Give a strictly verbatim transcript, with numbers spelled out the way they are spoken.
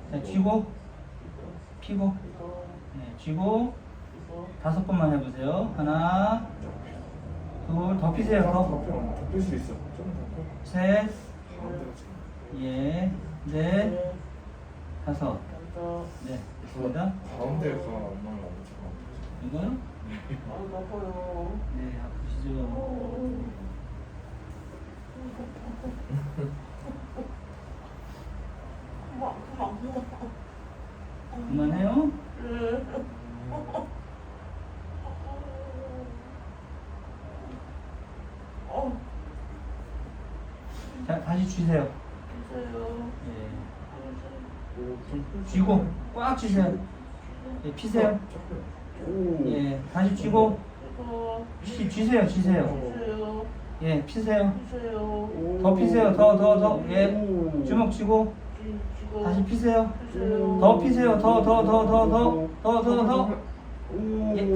자, 쥐고, 피고, 네, 쥐고, 다섯 번만 해보세요. 하나, 둘, 더 피세요. 더. 덮일 수 있어. 좀 덮여. 셋, 가운데로 쳐. 예, 넷, 다섯. 저, 네, 됐습니다. 가운데가 엄마를 안 쳐. 이거요? 아, 나빠요. 네, 아프시죠? 그만, 그만, 그만. 그만해요? 어, 자, 다시 쥐세요. 주세요. 예. 쥐고, 꽉 쥐세요. 예, 피세요. 오. 예, 다시 쥐고, 이거, 쥐, 쥐세요, 쥐세요. 주세요. 예, 피세요. 주세요. 더 피세요, 더, 더, 더. 예, 오. 주먹 쥐고, 쥐, 쥐고. 다시 피세요. 주세요. 더 피세요, 더, 더, 더, 더, 더, 더, 더, 더. 오. 예.